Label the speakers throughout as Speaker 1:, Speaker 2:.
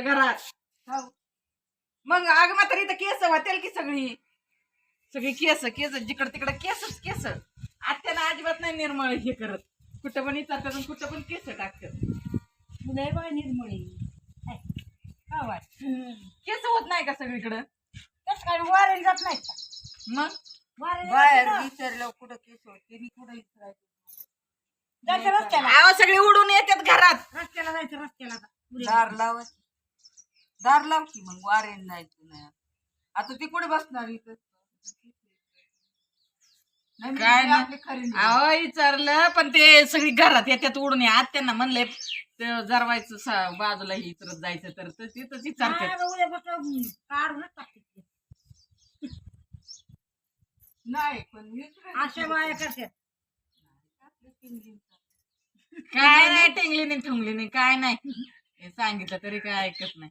Speaker 1: घरात. मग अग म्हातारी तर केस वाटेल की सगळी सगळी केस केस जिकडं तिकडं केसच केस. आत्याला अजिबात नाही निर्मळ हे करत. कुठं पण विचारतात आणि कुठं पण केस टाकतात.
Speaker 2: लय बाय निर्मळी
Speaker 1: केस होत नाही का सगळीकडं?
Speaker 2: तस काय वारेल जात नाही का?
Speaker 1: मग
Speaker 3: बाहेर विचारलं कुठं केस होते मी कुठं विचारायचं
Speaker 2: जायचं रस्त्याला
Speaker 1: आव सगळे उडून येतात घरात.
Speaker 2: रस्त्याला जायचं रस्त्याला
Speaker 3: दार लाव दार लाव की मग वारेन जायचं नाही आता ती कुठे बसणार इथं नाही, मी
Speaker 1: काय
Speaker 3: आपली खरी नाही.
Speaker 1: अहो विचारलं पण ते सगळी घरात येतात उडून आत त्यांना म्हणले जरवायचं बाजूला इतरत जायचं तर तिथंच विचारतात.
Speaker 2: उद्यापासून काढूनच टाकते
Speaker 3: नाही पण विचारायचं
Speaker 2: अशा बाया करतात.
Speaker 1: काय नाही टेंगली नाही ठुंगली नाही काय नाही हे सांगितलं तरी काय ऐकत नाही.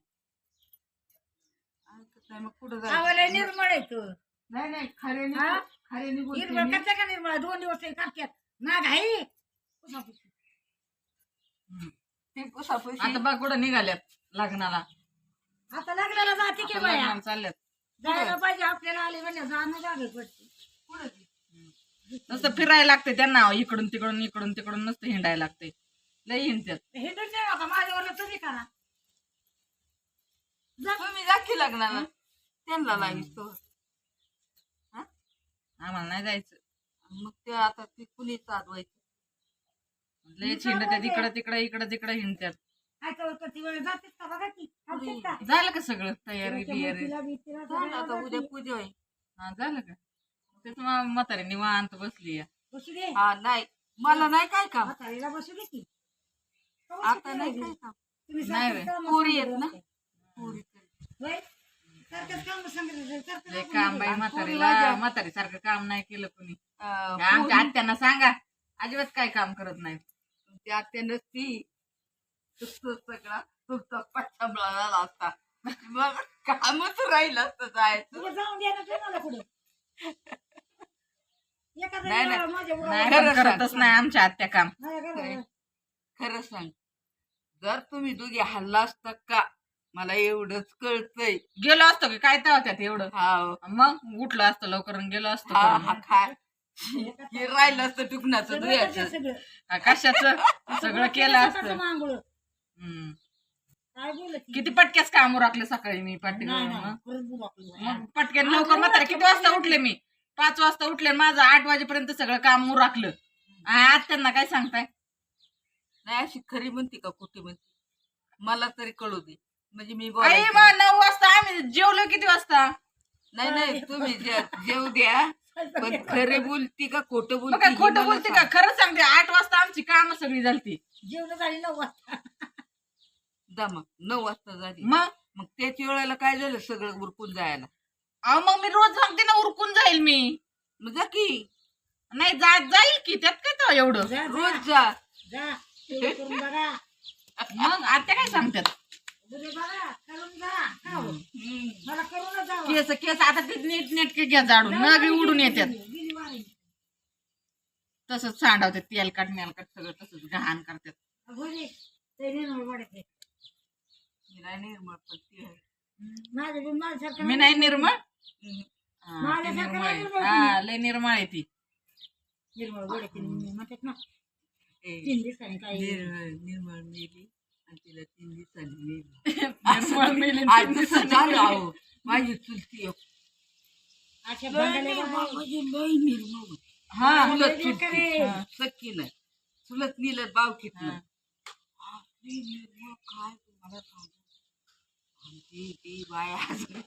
Speaker 3: ऐकत नाही, मग कुठं
Speaker 2: आवाला
Speaker 3: जायचं
Speaker 2: निर्मळ आहे तू
Speaker 3: नाही नाही खऱ्याने
Speaker 2: हा?
Speaker 3: खऱ्याने बोलते
Speaker 2: निर्मळ
Speaker 3: मी.
Speaker 2: करते का निर्मळ 2 दिवस हे करतात ना घाई
Speaker 3: ते पुसापुशी
Speaker 1: आता बघ कुठं निघाल्यात लग्नाला.
Speaker 2: आता लग्नाला जाते की
Speaker 1: आता
Speaker 2: बाया
Speaker 1: लग्नाला चालल्यात.
Speaker 2: जायला पाहिजे आपल्याला आले म्हणजे जाणं जागे पडते
Speaker 3: कुठं ती?
Speaker 1: नुसतं फिरायला लागते त्यांना इकडून तिकडून नुसतं हिंडायला लागते. लई हिंडतात.
Speaker 2: हे तर नाही आता माझ्यावर तुम्ही करा
Speaker 3: तुम्ही जा की लग्नाला त्यांना लावितो
Speaker 1: आम्हाला नाही जायचं.
Speaker 3: मग ते आता ती कुणी चालवायचं
Speaker 1: लई हिंडतात इकडं तिकडं हिंडतात.
Speaker 2: काय करते वेळ जातेच का बघा की थांबतेच का?
Speaker 1: झालं का सगळं तयारी बियारी?
Speaker 2: तिला बितीला
Speaker 3: झालं आता
Speaker 2: सगळ्याला
Speaker 3: उद्या
Speaker 2: जाते.
Speaker 3: पूजा होईल
Speaker 1: हा झालं का? तेच म्हातारी निवांत बसली.
Speaker 2: बसू दे
Speaker 3: हा नाही मला नाही काय काम
Speaker 2: म्हातारीला बसू दे की
Speaker 3: आता नाही काय काम
Speaker 2: तुम्ही
Speaker 1: नाही
Speaker 2: सारखं
Speaker 1: बाई.
Speaker 2: कामं
Speaker 3: पोरी
Speaker 2: सांगत
Speaker 3: आहेत ना
Speaker 2: असते.
Speaker 3: पोरी तरी.
Speaker 2: होय? सारखंच कामं सांगत असते. सारखं
Speaker 1: लय
Speaker 2: कामं
Speaker 1: काम बाई
Speaker 2: सांगत
Speaker 1: म्हातारीला म्हातारी सारखं काम नाही केलं कुणी. आमच्या
Speaker 3: पोरी-
Speaker 1: आत्यांना सांगा अजिबात काय काम करत नाही.
Speaker 3: ते आत्या नसती सगळा तुमचा पच्छाबळा झाला असता मग कामच राहिलं असतं जायचं
Speaker 2: तुला जाऊन द्या ना तुम्हाला पुढे एखाद्या
Speaker 3: नाही,
Speaker 2: वेळेला
Speaker 3: नाही.
Speaker 2: माझ्या
Speaker 1: नाही
Speaker 2: मुलाला-
Speaker 1: पण करतच नाही आमच्या आत्या काम.
Speaker 2: माझ्या घराला-
Speaker 3: खरं सांग जर तुम्ही दोघे हल्ला असता का मला एवढंच कळतंय
Speaker 1: गेलो असतो की काय त्यात एवढं.
Speaker 3: हा
Speaker 1: मग उठलो असतो लवकर आणि गेलो असतो
Speaker 3: हा
Speaker 1: करून.
Speaker 3: हा खाय हे राहिलं असतं टुकण्याचं
Speaker 2: सगळं
Speaker 3: दुयाचं
Speaker 2: करते सगळं.
Speaker 1: कशाचं सगळं केलं
Speaker 2: स्वतःचं
Speaker 1: असतं.
Speaker 2: मांगुळ.
Speaker 1: हम्म.
Speaker 2: काय बोलत ती?
Speaker 1: किती पटक्याच काम उरकले सकाळी मी
Speaker 2: नाही, नाही,
Speaker 1: मग
Speaker 2: खरंच बोलू आपलं.
Speaker 1: मग पटक्यान लवकर म्हातारे किती वाजता उठले मी 5 वाजता उठले आणि माझं 8 वाजेपर्यंत सगळं काम उरकलं. आज त्यांना काय सांगताय?
Speaker 3: नाही अशी खरी म्हणते का कुठे म्हणते मला तरी कळू दे म्हणजे मी
Speaker 1: आई
Speaker 3: बोलायचं
Speaker 1: मग 9 वाजता आम्ही जेवलो किती वाजता?
Speaker 3: नाही नाही तुम्ही जेव द्या पण खरे बोलती का खोटं
Speaker 1: मग
Speaker 3: बोलती
Speaker 1: काय
Speaker 3: हे
Speaker 1: खोटं
Speaker 3: मला
Speaker 1: बोलते का?
Speaker 3: सांग.
Speaker 1: खरं सांगते 8 वाजता आमची काम सगळी झालती.
Speaker 2: जेवण झाली 9 वाजता.
Speaker 3: जा मग 9 वाजता झाली
Speaker 1: मग
Speaker 3: मग त्याच वेळेला काय झालं सगळं उरकून जायला
Speaker 1: अहो मग मी रोज सांगते ना उरकून जाईल मी.
Speaker 3: मग जा की
Speaker 1: नाही जाईल की त्यात काय तेव्हा एवढं.
Speaker 2: जा,
Speaker 3: रोज जा
Speaker 2: जा. तेवढं करून बघा.
Speaker 1: मग आत्या काय सांगतात?
Speaker 2: उद्या बघा, करून जा. खाऊ. मला करूनच जावं.
Speaker 1: केस आता ते नीट नेटके घ्या जाडून नगरी उडून येतात.
Speaker 2: गेली वारी.
Speaker 1: तसंच सांडवतात तेलकट मेलकट सगळं तसंच घाण करतात.
Speaker 2: हो रे. ते निर्मळ वाढते.
Speaker 3: मी नाही निर्मळ पण ती आहे.
Speaker 2: माझ्या बी माझ्यासारखं
Speaker 1: मी नाही निर्मळ.
Speaker 3: हम्म.
Speaker 1: हा, ती
Speaker 2: माझ्यासारखं
Speaker 1: निर्मळ
Speaker 2: नाही
Speaker 1: आहे.
Speaker 2: निर्मळ
Speaker 1: हा लय निर्मळ आहे ती.
Speaker 2: निर्मळ वाढते म्हणतात ना.
Speaker 3: ए,
Speaker 2: 3 दिवसांनी काही
Speaker 3: निर्मळ मेली आणि तिला 3 दिवसांनी मेली
Speaker 1: निर्मळ मेली
Speaker 3: आज
Speaker 1: 3
Speaker 3: दिवसात
Speaker 1: दिवसांनी.
Speaker 3: झालं अहो माझी चुलती एक.
Speaker 2: अशा
Speaker 3: लय
Speaker 2: भांडणाला
Speaker 3: निर्मळ
Speaker 2: बाहेर.
Speaker 3: म्हणजे लय निर्मळ होती.
Speaker 1: हा
Speaker 3: चुलत
Speaker 2: लय
Speaker 3: चुलती
Speaker 2: बेकारी.
Speaker 1: हा.
Speaker 3: सक्की नाही चुलत निलत बावकीत
Speaker 1: हा.
Speaker 3: नाही आपली निर्मळ काय तुम्हाला सांगू आमची ती बाया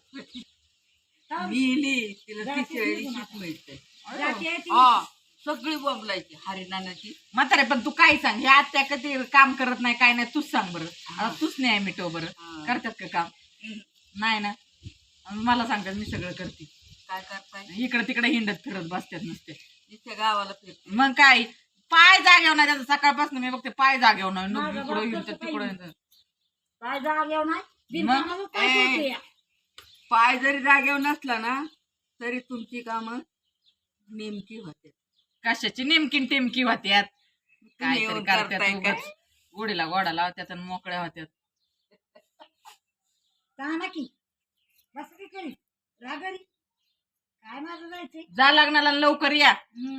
Speaker 3: मिली तिला
Speaker 2: जाती
Speaker 3: तिसऱ्या
Speaker 2: निघून
Speaker 3: दिवशीच
Speaker 2: आता.
Speaker 3: मिळते
Speaker 2: जाती आहे ती.
Speaker 3: हा सगळी बोंबलायची हरिनानाची
Speaker 1: म्हातारे पण तू काय सांग हे आत्या कधी काम करत नाही काय नाही तूच सांग बरं. आता तूच नाही मिटव बरं.
Speaker 3: हा.
Speaker 1: करतात का काम? नाही ना. आणि मला सांगतात मी सगळं करते.
Speaker 3: काय करताय
Speaker 1: इकडे तिकडे हिंडत फिरत बसतात नुसते.
Speaker 3: तिच्या गावाला फिरते
Speaker 1: मग काय पाय जागेव नाही त्याचा सकाळपासून मी बघते पाय जागेव नाही
Speaker 2: माझा
Speaker 1: इकडं
Speaker 2: बाप
Speaker 1: हिंडतात
Speaker 2: तसं
Speaker 1: तिकडं
Speaker 2: काही
Speaker 1: हिंडतात.
Speaker 2: काय जागेव नाही. बिनकामाचं काय
Speaker 3: ए.
Speaker 2: करते या?
Speaker 3: पाय जरी जागेवर नसला ना तरी तुमची कामं नेमकी होते
Speaker 1: कशाची नेमकी टिमकी होत्यात काय
Speaker 3: येऊन
Speaker 1: तरी करतात
Speaker 3: करताय काय?
Speaker 1: उगाच. गोडीला गोडा लावत्यात आणि मोकळ्या होत्यात.
Speaker 2: जा ना की बस की करी रागरी काय माझं जायचंय
Speaker 1: जा लग्नाला आणि लवकर या